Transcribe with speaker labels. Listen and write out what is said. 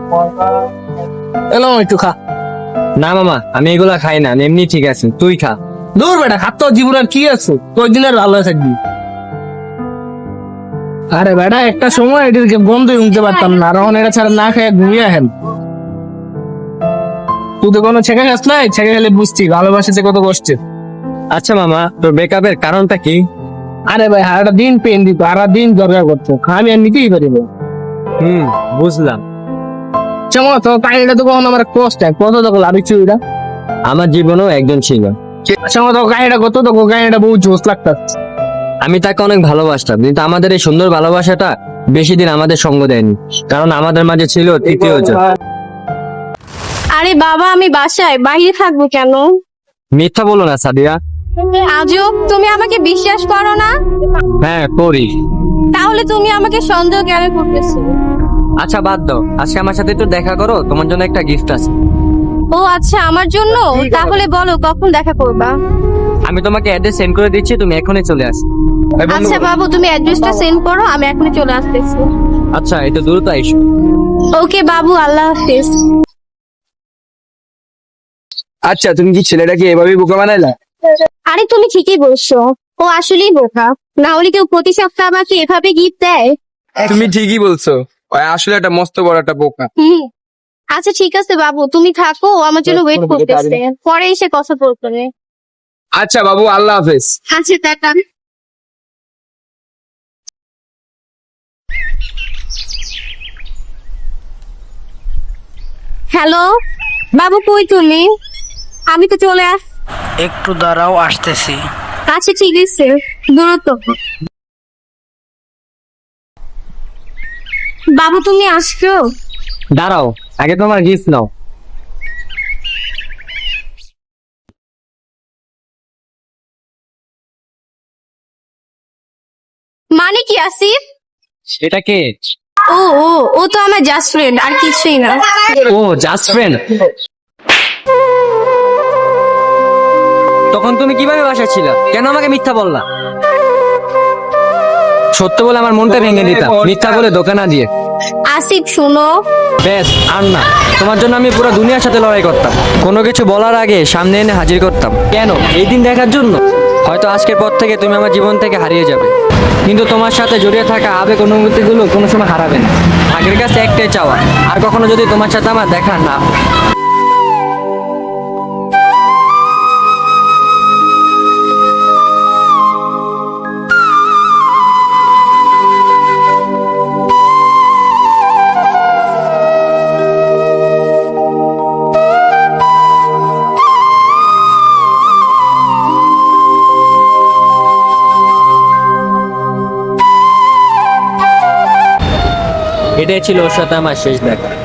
Speaker 1: এলো একটু খা।
Speaker 2: না মামা, আমি এগুলা খাই না, আমি এমনি ঠিক আছে, তুই খা।
Speaker 1: দূর বেটা, খাত জীবন আর কি আছে, কয়েকদিন আর ভালো থাকবি। আরে বেটা, একটা সময় এটিকে বন্ধই উঠতে পারতাম না, আর এখন এটা ছাড়া না খেয়ে ঘুমিয়ে আহেন। তুই তো কোনো ছেঁকে খাস নাই, ছেঁকে খেলে বুঝছি ভালোবাসেছে কত কষ্টে।
Speaker 2: আচ্ছা মামা, তোর ব্রেকআপের কারণটা কি?
Speaker 1: আরে ভাই, সারাটা দিন পেন দিত, সারা দিন দরকার করতো, আমি আর নিতেই পারিব।
Speaker 2: বুঝলাম।
Speaker 1: চমা তো কাহিনীটা তো কখন আমার কষ্ট কত তো লাভিছি ওইটা।
Speaker 2: আমার জীবনেও একজন ছিল।
Speaker 1: চমা তো কাহিনীটা কত তো কাহিনীটা বহু জোশ লাগতাছে।
Speaker 2: আমি তাকে অনেক ভালোবাসতাম, কিন্তু আমাদের এই সুন্দর ভালোবাসাটা বেশি দিন আমাদের সঙ্গ দেয়নি, কারণ আমাদের মাঝে ছিল তৃতীয় জন।
Speaker 3: আরে বাবা, আমি বাসায় বাইরে থাকবো কেন?
Speaker 2: মিথ্যা বলো না সাদিয়া।
Speaker 3: আজও তুমি আমাকে বিশ্বাস করো না?
Speaker 2: হ্যাঁ করি।
Speaker 3: তাহলে তুমি আমাকে সন্দেহ কেন করতেছো?
Speaker 2: আচ্ছা বাদ দাও, আজকে আমার সাথে একটু দেখা করো, তোমার জন্য একটা গিফট আছে।
Speaker 3: ও আচ্ছা, আমার জন্য? তাহলে বলো কখন দেখা করবা?
Speaker 2: আমি তোমাকে অ্যাড্রেস সেন্ড করে দিচ্ছি, তুমি এখনই চলে আসো।
Speaker 3: আচ্ছা বাবু, তুমি অ্যাড্রেসটা সেন্ড করো, আমি এখনই চলে আসতেছি।
Speaker 2: আচ্ছা, একটু দ্রুত আইসো।
Speaker 3: ওকে বাবু, আল্লাহ হাফেজ।
Speaker 1: আচ্ছা, তুমি কি ছেলেটাকে এভাবেই বোকা বানাইলা?
Speaker 3: আরে তুমি ঠিকই বলছো, ও আসলেই বোকা, না হলে কেউ প্রতি সপ্তাহে আমাকে এভাবে গিফট দেয়?
Speaker 1: তুমি ঠিকই বলছো, ওই আসলে একটা মস্ত বড় একটা বোকা।
Speaker 3: হুম। আচ্ছা ঠিক আছে বাবু, তুমি থাকো, ও আমার জন্য ওয়েট করতেছে, পরে এসে কথা বলবে।
Speaker 1: আচ্ছা বাবু, আল্লাহ হাফেজ।
Speaker 3: আচ্ছা টাটা। হ্যালো বাবু, কই তুমি? আমি তো চলে আস।
Speaker 4: একটু দাঁড়াও, আসতেছি।
Speaker 3: আচ্ছা ঠিক আছে, দূরত্ব। বাবু তুমি আসছো?
Speaker 2: দাঁড়াও, আগে তোমার গিফট নাও।
Speaker 3: মানে কি আসিফ?
Speaker 2: এটা কে?
Speaker 3: ও ও ও তো আমার জাস্ট ফ্রেন্ড, আর কিছুই না।
Speaker 2: ও জাস্ট ফ্রেন্ড। তখন তুমি কিভাবে বাসায় ছিলা? কেন আমাকে মিথ্যা বললা? সত্য বলে আমার মনটা ভেঙে দিতা, মিথ্যা বলে ধোকা না দিয়ে।
Speaker 3: আসিফ শুনো।
Speaker 2: বেশ, আর না, তোমার জন্য আমি পুরো দুনিয়ার সাথে লড়াই করতাম, কোনো কিছু বলার আগে সামনে এনে হাজির করতাম। কেন? এই দিন দেখার জন্য। হয়তো আজকের পর থেকে তুমি আমার জীবন থেকে হারিয়ে যাবে, কিন্তু তোমার সাথে জড়িয়ে থাকা আবেগ অনুভূতিগুলো কোনো সময় হারাবে না। আগের কাছে একটাই চাওয়া, আর কখনো যদি তোমার সাথে আমার দেখা না হয়। এটাই ছিল ওর সাথে আমার শেষ দেখা।